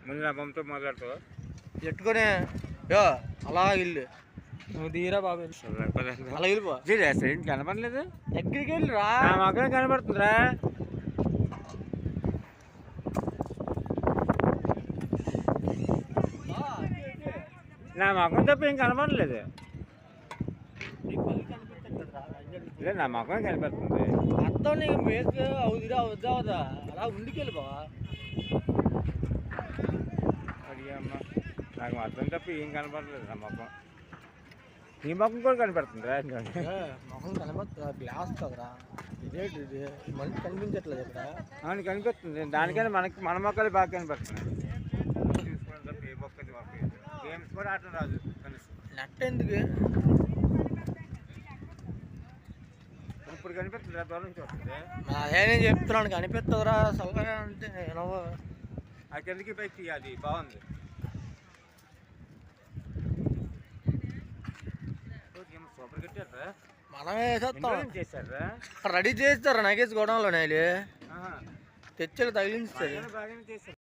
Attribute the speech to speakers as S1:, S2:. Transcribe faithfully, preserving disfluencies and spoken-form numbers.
S1: ముందు నా బొమ్మతో మాట్లాడుతావు
S2: ఎట్టుకొని యో అలా ఇల్లు
S3: నువ్వు తీరా బాబు
S2: అలా వెళ్ళిపో
S1: ఏంటి కనపడలేదు
S2: ఎక్కడికి వెళ్ళిరా
S1: నా మొక్కనే కనపడుతుందిరా నా మొఖం తప్ప ఏం కనపడలేదు లేదు నా మొఖమే కనపడుతుంది
S2: అర్థం నీకు మేక్ అవుదిరా అవుద్దా అవుదా అలా ఉండికి వెళ్ళిపో
S1: అడిగమ్మా నాకు మొత్తం తప్ప ఏం కనపడలేదు నా మొఖం నీ మొఖం కూడా కనపడుతుందిరా
S2: మొహం కనపడుతుందా గ్లాస్ కదరా ఇదేంటి ఇది మనిషి కనిపించట్లేదు ఇక్కడ
S1: అవును కనిపిస్తుంది దానికైనా మనకి మన మొక్కలు బాగా కనపడుతున్నాయి చూసుకోవడం తప్ప ఏ మొక్కది మొక్క గేమ్స్ కూడా ఆటలు రాదు కనీసం
S2: నెట్ ఎందుకు
S1: ఇప్పుడు కనిపిస్తుందిరా దూరం నుంచి వస్తుంది
S2: నేనే చెప్తున్నాను కనిపిస్తుందిరా చల్లగా అంటే నువ్వు
S1: ఆ కిందకి పైకి తీయాలి బాగుంది సూపర్ కట్టారా
S2: మనమే వేసేస్తాం
S1: చేశారా
S2: రెడీ చేస్తారు నగేసి గోడంలో నేలి తెచ్చి తగిలించారు
S1: బాగానే చేశారు.